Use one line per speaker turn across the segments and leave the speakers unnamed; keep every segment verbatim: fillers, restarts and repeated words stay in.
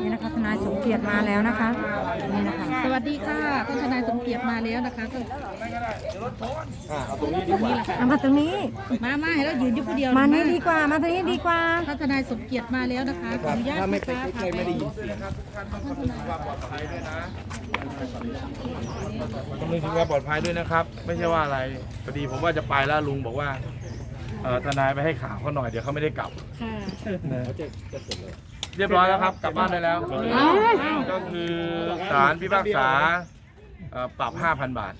นี่นะคะทนายสมเกียรติมาแล้วนะคะนี่นะคะ
สวัสดีค่ะท่านทนายสมเกียรติมาแล้วนะคะก็
เอาตรงนี้ดีกว่า
เอามาตรงนี้
มามาให้เรายืนอยู่ผู้เดียว
มานี่ดีกว่ามาตรงนี้ดีกว่า
ท่านทนายสมเกียรติมาแล้วนะคะขออนุญาต
ถ้าไม่ไป
นะคะ
ใกล้ๆไม่ได้ยินเสียง
ต้องนึกถึงความปลอดภัยด้วยนะครับ ไม่ใช่ว่าอะไรพอดีผมว่าจะไปแล้วลุงบอกว่าเออทนายไปให้ข่าวเขาหน่อยเดี๋ยวเขาไม่ได้กลับ
ค่ะ
เรียบร้อยแล้วครับกลับบ้านได้แล้ว ก็คือศาลพิพากษาเอ่อปรับ ห้าพัน บาท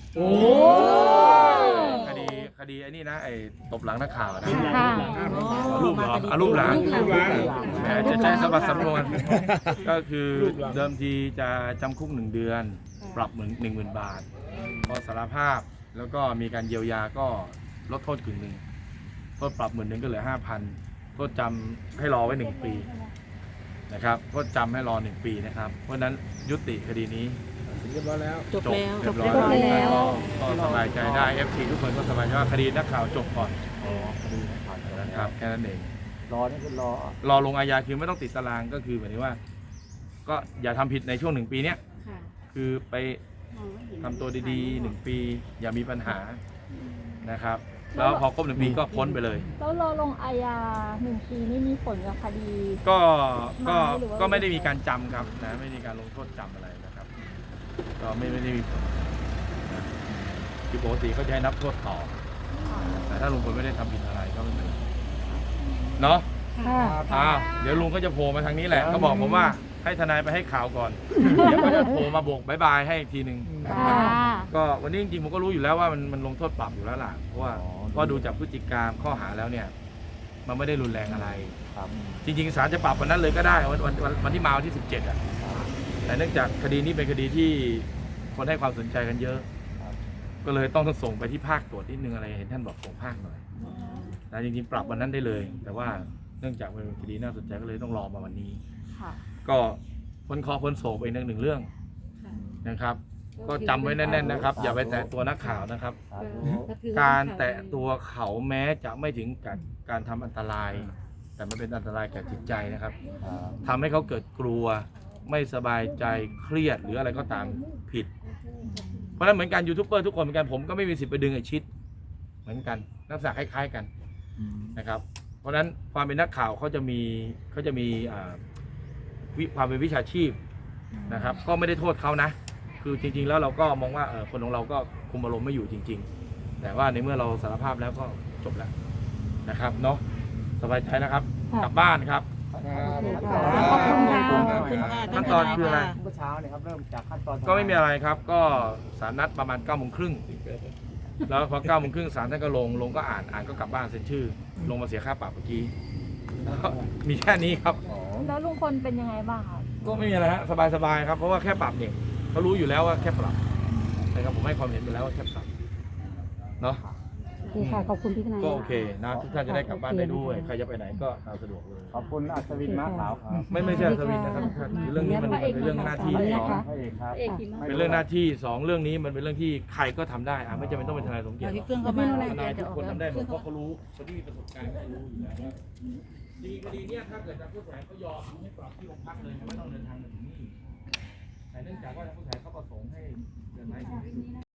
คดีคดีไอ้นี่นะไอ้ตบหลังนักข่าวนะ
ค่ะ
รูปเหรออารูปหลังแหมจะใช้สมบัติสำนวน ก็คือเดิมทีจะจำคุกหนึ่งเดือน ปรับเหมือนหนึ่งหมื่นบาท พอสารภาพแล้วก็มีการเยียวยาก็ลดโทษกึ่งหนึ่งโทษปรับหมื่นหนึ่งก็เหลือห้าพันโทษจำให้รอไว้หนึ่งปีนะครับโทษจำให้รอหนึ่งปีนะครับ เพราะฉะนั้นยุติคดีนี้
เรียบร้อยแล้ว
จบแล้ว
เรียบร้อยแล้วก็สบายใจได้ เอฟ ซี ทุกคนก็สบายใจว่าคดีนักข่าวจบก่อนนะครับแค่นั้นเอง
รอนี่คือรอ
รอลงอาญาคือไม่ต้องติดตารางก็คือหมายถึงว่า ก็อย่าทำผิดในช่วงหนึ่งปีเนี้ย
ค่ะ
คือไปทำตัวดีๆหนึ่งปี อย่ามีปัญหานะครับ แล้วพอครบหนึ่งปีก็พ้นไปเลย
แล้วรอลงอาญาหนึ่งปีนี่มีผลกับคดี
ก็ก็
หรือว่า
ก็ไม่ได้มีการจำครับนะไม่ได้มีการลงโทษจำอะไรนะครับ ก็ไม่ไม่ได้มีผลนะคือปกติเขาจะให้นับโทษต่อ แต่ถ้าลุงพลไม่ได้ทำผิดอะไรก็ไม่เป็นไรเนาะ
ค่ะ
อ่าเดี๋ยวลุงก็จะโผล่มาทางนี้แหละเขาบอกผมว่าให้ทนายไปให้ข่าวก่อน เดี๋ยวก็จะโผล่มาโบกบายบายให้อีกทีหนึ่ง
ค่ะ
ก็วันนี้จริงๆผมก็รู้อยู่แล้วว่ามันมันลงโทษปรับอยู่แล้วล่ะ เพราะว่าก็ดูจากพฤติกรรมข้อหาแล้วเนี่ย มันไม่ได้รุนแรงอะไร
ครับ
จริงๆศาลจะปรับวันนั้นเลยก็ได้วันวันวันวันที่มาวันที่สิบเจ็ดอ่ะแต่เนื่องจากคดีนี้เป็นคดีที่คนให้ความสนใจกันเยอะ ก็เลยต้องส่งไปที่ภาคตรวจนิดนึงอะไรเห็นท่านบอกส่งภาคหน่อยแต่จริงๆปรับวันนั้นได้เลย แต่ว่าเนื่องจากเป็นคดีน่าสนใจก็เลยต้องรอมาวันนี้
ค่ะ
ก็พ้นเคอพ้นโศกไปอีกหนึ่งเรื่องนะครับ ก็จำไว้แน่นๆนะครับ อย่าไปแตะตัวนักข่าวนะครับ การแตะตัวเขาแม้จะไม่ถึงกับการทำอันตราย แต่มันเป็นอันตรายแก่จิตใจนะครับทำให้เขาเกิดกลัวไม่สบายใจเครียดหรืออะไรก็ตามผิด เพราะฉะนั้นเหมือนกันยูทูบเบอร์ทุกคนเหมือนกันผมก็ไม่มีสิทธิ์ไปดึงไอ้ชิดเหมือนกันลักษณะคล้ายๆกันนะครับ เพราะฉะนั้นความเป็นนักข่าวเขาจะมีเขาจะมีอ่าวิความเป็นวิชาชีพนะครับ ก็ไม่ได้โทษเขานะ คือจริงๆแล้วเราก็มองว่าเออคนของเราก็คุมอารมณ์ไม่อยู่จริง ๆ แต่ว่าในเมื่อเราสารภาพแล้วก็จบแล้วนะครับเนาะสบายใจนะครับ กลับบ้านครับ
ขอบคุณค่ะ
ขอบคุณค่ะ
ขั้นตอนคืออะไร
เมื่อเช้าเนี่ยครับเริ่มจากขั้นตอน
ก็ไม่มีอะไรครับ ก็ศาลนัดประมาณเก้าโมงครึ่งแล้วพอเก้าโมงครึ่งศาลท่านก็ลงลงก็อ่านอ่านก็กลับบ้านเซ็นชื่อ ลงมาเสียค่าปรับเมื่อกี้มีแค่นี้ครับ
แล้วลุงพลเป็นยังไงบ้างคะ
ก็ไม่มีอะไรฮะสบายๆครับเพราะว่าแค่ปรับเนี่ยเขารู้อยู่แล้วว่าแค่ปรับนะครับผมให้ความเห็นไปแล้วว่าแค่ปรับเนาะ
โอเคค่ะ ขอบคุณพี่ทนาย
ก็โอเคนะทุกท่านจะได้กลับบ้านได้ด้วยใครจะไปไหนก็ตามสะดวกเลย
ขอบคุณอัศวินม้าขาวครับ
ไม่ไม่ใช่อัศวินนะครับทุกท่านคือเรื่องนี้มันเป็นเรื่องหน้าที่สอง
พระเอกครับ
เอกขี่ม้า
เป็นเรื่องหน้าที่สองเรื่องนี้มันเป็นเรื่องที่ใครก็ทำได้อ่ะไม่จำเป็นต้องเป็นทนายสมเกียรติหร
พี่
อก
เฟื่องเข้ามา
ทนายทุกคนทำได้หมดเพราะเขารู้คนที่มีประสบการณ์เขารู้อยู่แล้วว่าจริงคดีเนี้ยถ้าเกิดทางผู้เสียหายเขายอมให้ปรับที่โรงพักเลยไม่ต้องเดินทางมาถึงนี่แต่เนื่องจากว่าทางผู้เสียหายเขาประสงค์ให้เดินทาง